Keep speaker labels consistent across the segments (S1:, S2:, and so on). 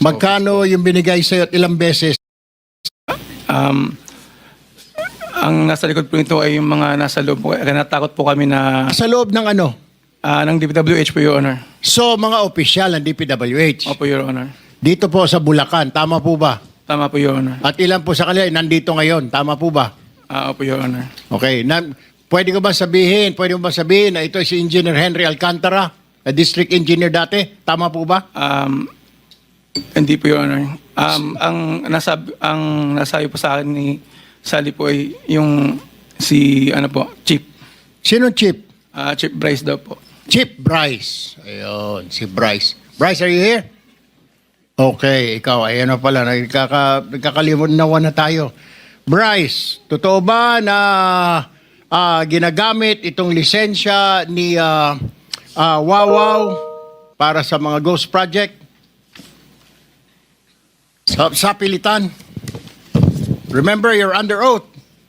S1: Magkano yung binigay sa'yo at ilang beses?
S2: Ang nasa likod po nito ay yung mga nasa loob po. Kaya natakot po kami na
S1: Sa loob ng ano?
S2: ng DPWH po, Your Honor.
S1: So, mga opisyal ng DPWH.
S2: Opo, Your Honor.
S1: Dito po sa Bulacan, tama po ba?
S2: Tama po, Your Honor.
S1: At ilan po sa kanila ay nandito ngayon, tama po ba?
S2: Opo, Your Honor.
S1: Okay. Pwede mo ba sabihin na ito si Engineer Henry Alcantara, na district engineer dati? Tama po ba?
S2: Hindi po, Your Honor. Ang nasabi po sa akin ni Sally po ay yung Chief.
S1: Sino Chief?
S2: Chief Bryce daw po.
S1: Chief Bryce. Ayun, si Bryce. Bryce, are you here? Okay, ikaw, ayan na pala, nagkakalimunawan na tayo. Bryce, totoo ba na ginagamit itong lisensya ni Wawaw para sa mga ghost project? Sa pilitan. Remember, you're under oath.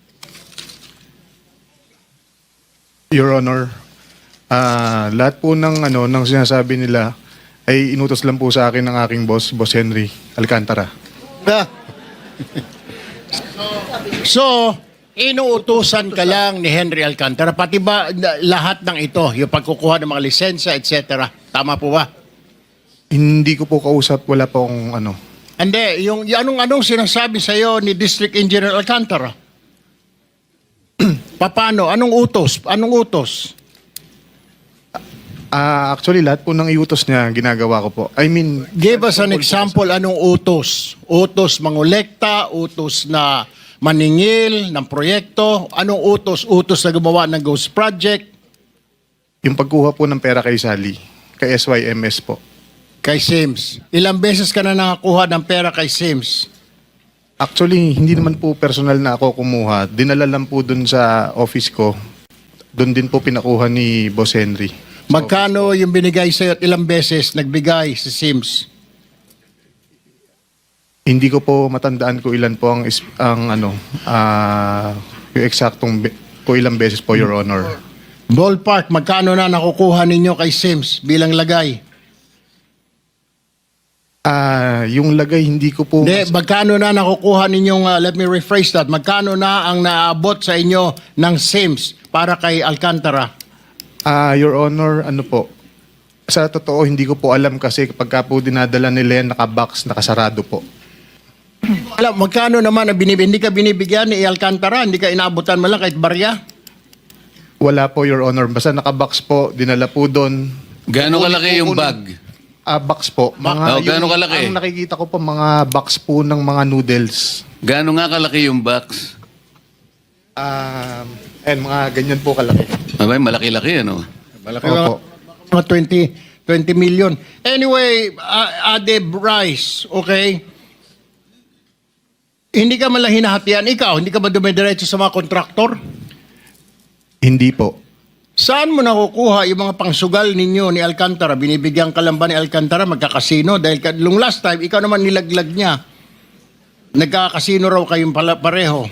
S3: Your Honor, lahat po ng sinasabi nila ay inutos lang po sa akin ng aking boss, Boss Henry Alcantara.
S1: So, inuutusan ka lang ni Henry Alcantara, pati ba lahat ng ito, yung pagkukuha ng mga lisensya, etc. Tama po ba?
S3: Hindi ko po kausap, wala po akong
S1: Hindi, yung anong sinasabi sa iyo ni District Engineer Alcantara? Paano? Anong utos?
S3: Actually, lahat po ng iutos niya, ginagawa ko po. I mean,
S1: Give us an example, anong utos? Utos mangolekta, utos na maningil ng proyekto, anong utos? Utos na gumawa ng ghost project?
S3: yung pagkuha po ng pera kay Sally, kay SYMS po.
S1: Kay Sims. Ilang beses ka na nakakuha ng pera kay Sims?
S3: Actually, hindi naman po personal na ako kumuha. Dinala lang po dun sa office ko. Doon din po pinakuha ni Boss Henry.
S1: Magkano yung binigay sa'yo at ilang beses nagbigay si Sims?
S3: Hindi ko po matandaan ko ilan po ang yung eksaktong po ilang beses po, Your Honor.
S1: Ballpark, magkano na nakukuha ninyo kay Sims bilang lagay?
S3: Yung lagay hindi ko po...
S1: Hindi, magkano na nakukuha ninyong, let me rephrase that, magkano na ang naabot sa inyo ng Sims para kay Alcantara?
S3: Your Honor, sa totoo, hindi ko po alam kasi kapag po dinadala nila yan, nakabox, nakasarado po.
S1: Alam, magkano naman ang hindi ka binibigyan ni Alcantara? Hindi ka inaabutan mo lang kahit barya?
S3: Wala po, Your Honor. Basta nakabox po, dinala po doon.
S4: Gaano kalaki yung bag?
S3: Box po.
S4: gaano kalaki?
S3: Ang nakikita ko po, mga box po ng mga noodles.
S4: Gaano nga kalaki yung box?
S3: Mga ganyan po kalaki.
S4: Abay, malaki-laki, ano?
S1: Malaki
S3: Opo.
S1: mga 20 million. Anyway, Ade Bryce, okay? Hindi ka man lang hinahatian. Ikaw, hindi ka ba dumidiretso sa mga kontraktor?
S3: Hindi po.
S1: Saan mo nakukuha yung mga pangsugal ninyo ni Alcantara? Binibigyan ka lang ba ni Alcantara magkakasino? Dahil nung last time, ikaw naman nilaglag niya. Nagkakasino raw kayong pareho.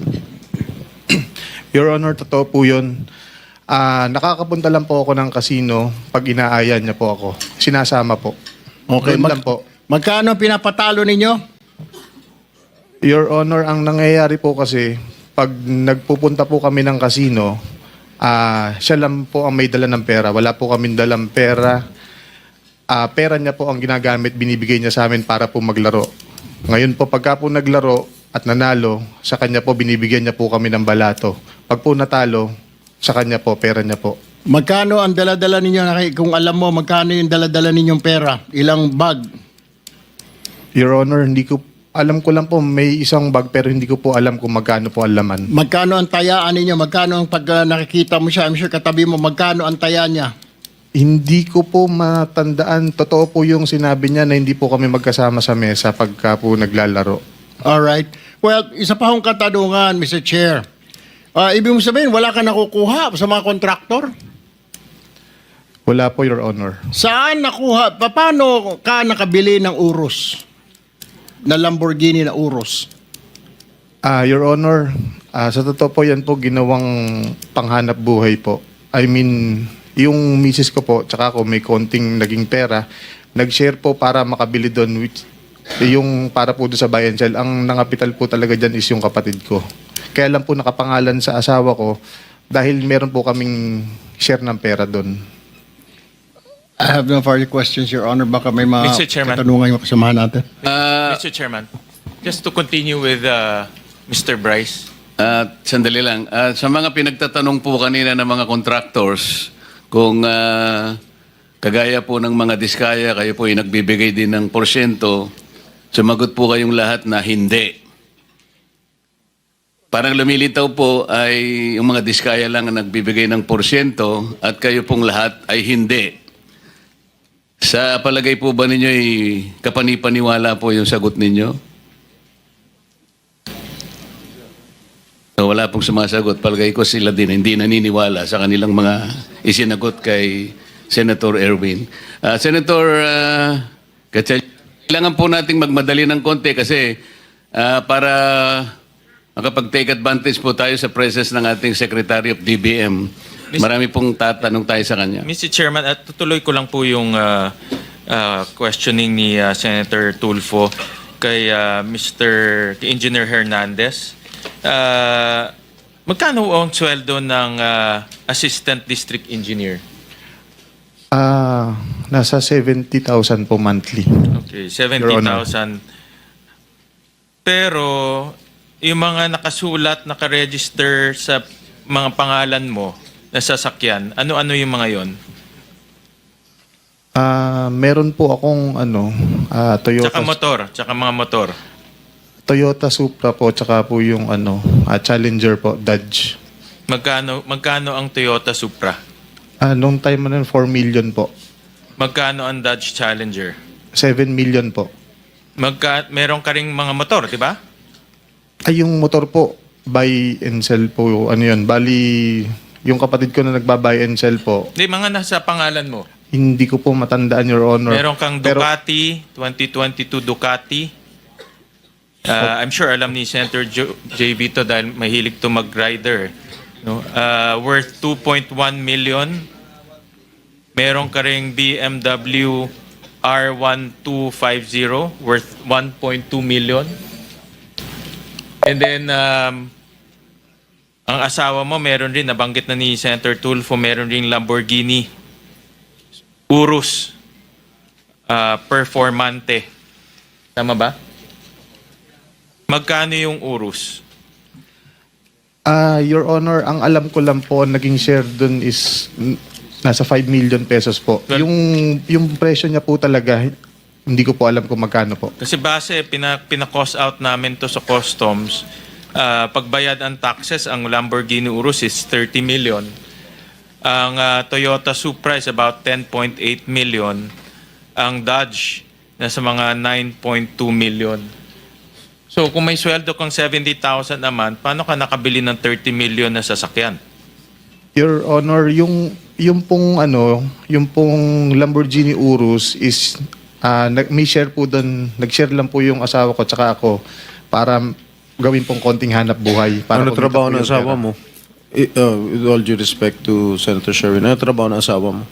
S3: Your Honor, totoo po yun. Nakakapunta lang po ako ng kasino pag inaaya niya po ako. Sinasama po.
S1: Okay,
S3: Doon lang po.
S1: Magkano pinapatalo ninyo?
S3: Your Honor, ang nangyayari po kasi, pag nagpupunta po kami ng kasino, siya lang po ang may dala ng pera. Wala po kaming dalang pera. Pera niya po ang ginagamit, binibigay niya sa amin para po maglaro. Ngayon po, pagka po naglaro at nanalo, sa kanya po binibigyan niya po kami ng balato. Pag po natalo, sa kanya po, pera niya po.
S1: Magkano ang dala-dala ninyo? Kung alam mo, magkano yung dala-dala ninyong pera? Ilang bag?
S3: Your Honor, alam ko lang po may isang bag pero hindi ko po alam kung magkano po ang laman.
S1: Magkano ang tayaan ninyo? Magkano ang pag nakikita mo siya? I'm sure katabi mo, magkano ang taya niya?
S3: Hindi ko po matandaan. Totoo po yung sinabi niya na hindi po kami magkasama sa mesa pagka po naglalaro.
S1: Alright. Well, isa pa akong katanungan, Mr. Chair. Ibig mo sabihin, wala ka nakukuha sa mga kontraktor?
S3: Wala po, Your Honor.
S1: Saan nakuha? Paano ka nakabili ng Urus? Na Lamborghini na Urus?
S3: Your Honor, sa totoo po yan po ginawang panghanap buhay po. I mean, yung misis ko po, tsaka ako may konting naging pera, nag-share po para makabili doon. Yung para po doon sa buy and sell, ang nangapital po talaga dyan is yung kapatid ko. Kaya lang po nakapangalan sa asawa ko dahil meron po kaming share ng pera doon.
S1: I have no further questions, Your Honor. Baka may mga
S5: Mr. Chairman.
S1: katanungan yung kasamahan natin.
S5: Mr. Chairman, just to continue with Mr. Bryce.
S4: Sandali lang. Sa mga pinagtatanong po kanina ng mga contractors, kung kagaya po ng mga diskaya, kayo po ay nagbibigay din ng porsyento, sumagot po kayong lahat na hindi. Parang lumilitaw po ay yung mga diskaya lang ang nagbibigay ng porsyento at kayo pong lahat ay hindi. Sa palagay po ba ninyo ay kapanipaniwala po yung sagot ninyo? So, wala pong sumasagot. Palagay ko sila din hindi naniniwala sa kanilang mga isinagot kay Senator Erwin. Senator Gatchalian, kailangan po nating magmadali ng konti kasi para makapag-take advantage po tayo sa presence ng ating Secretary of DBM. Marami pong tatanong tayo sa kanya.
S5: Mr. Chairman, at tutuloy ko lang po yung questioning ni Senator Tulfo kay kay Engineer Hernandez. Magkano ang sweldo ng Assistant District Engineer?
S3: Nasa 70,000 po monthly.
S5: Okay,
S3: Your Honor.
S5: 70,000. Pero yung mga nakasulat, nakaregister sa mga pangalan mo na sasakyan, ano-ano yung mga yon?
S3: Meron po akong Toyota,
S5: Tsaka motor, tsaka mga motor.
S3: Toyota Supra po, tsaka po yung Challenger po, Dodge.
S5: Magkano ang Toyota Supra?
S3: Nung time na 4 million po.
S5: Magkano ang Dodge Challenger?
S3: 7 million po.
S5: Meron ka ring mga motor, di ba?
S3: Ay, yung motor po, buy and sell po, yun. Bali, yung kapatid ko na nagba-buy and sell po,
S5: Di, mga nasa pangalan mo.
S3: hindi ko po matandaan, Your Honor.
S5: Meron kang
S3: Pero-
S5: Ducati, 2022 Ducati. I'm sure alam ni Senator JV to dahil mahilig to mag-rider. No? Worth 2.1 million. Meron ka ring BMW R1250 worth 1.2 million. And then, ang asawa mo meron rin, nabanggit na ni Senator Tulfo, meron rin Lamborghini Urus Performante. Tama ba? Magkano yung Urus?
S3: Your Honor, ang alam ko lang po, naging share dun is nasa 5 million pesos po.
S5: Well-
S3: Yung presyo niya po talaga, hindi ko po alam kung magkano po.
S5: Kasi base, pina-cost out namin to sa customs. Pagbayad ang taxes, ang Lamborghini Urus is 30 million. Ang Toyota Supra is about 10.8 million. Ang Dodge, nasa mga 9.2 million. So kung may sweldo kang 70,000 a month, paano ka nakabili ng 30 million na sasakyan?
S3: Your Honor, yung pong Lamborghini Urus is may share po doon, nag-share lang po yung asawa ko tsaka ako para gawin pong konting hanap buhay. Para
S6: Ano
S3: kumita
S6: trabaho
S3: po
S6: ng
S3: yung
S6: asawa
S3: pera.
S6: mo? With all due respect to Senator Sherwin, ano trabaho ng asawa mo?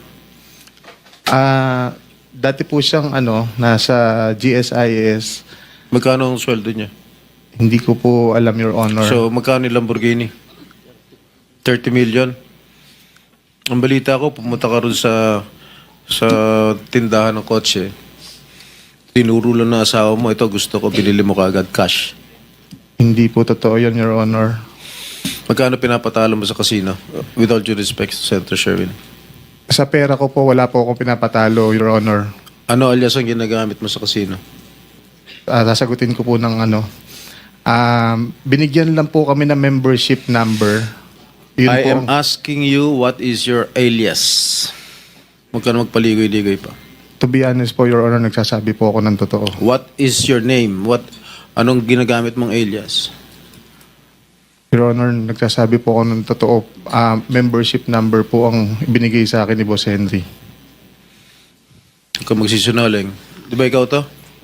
S3: Dati po siyang nasa GSIS.
S6: Magkano ang sweldo niya?
S3: Hindi ko po alam, Your Honor.
S6: So, magkano yung Lamborghini? 30 million? Ang balita ko, pumunta ka ron sa tindahan ng kotse. Tinuro lang na asawa mo, ito gusto ko, binili mo kaagad cash.
S3: Hindi po totoo yun, Your Honor.
S6: Magkano pinapatalo mo sa casino? With all due respect to Senator Sherwin.
S3: Sa pera ko po, wala po akong pinapatalo, Your Honor.
S6: Ano alias ang ginagamit mo sa casino?
S3: Sasagutin ko po ng binigyan lang po kami ng membership number. Yun
S6: I
S3: po
S6: am asking you, what is your alias? Huwag ka na magpaligoy-ligoy pa.
S3: To be honest po, Your Honor, nagsasabi po ako ng totoo.
S6: What is your name? Anong ginagamit mong alias?
S3: Your Honor, nagsasabi po ako ng totoo. Membership number po ang binigay sa akin ni Boss Henry.
S6: Huwag ka magsisinungaling. Di ba ikaw to?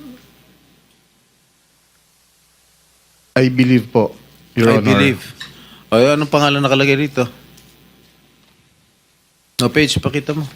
S3: I believe po, Your
S6: I
S3: Honor.
S6: believe. Ay, anong pangalan nakalagay rito? No page, pakita mo.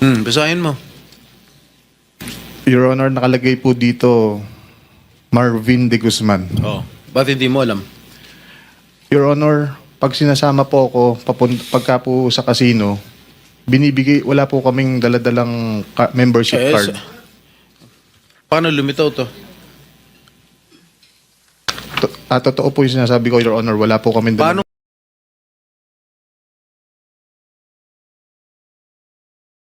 S6: Basahin mo.
S3: Your Honor, nakalagay po dito Marvin de Guzman.
S6: Oh. Ba't hindi mo alam?
S3: Your Honor, pag sinasama po ako pagka po sa casino, wala po kaming daladalang membership card.
S6: Paano lumitaw to?
S3: Totoo po yung sinasabi ko, Your Honor, wala po kaming
S6: Paano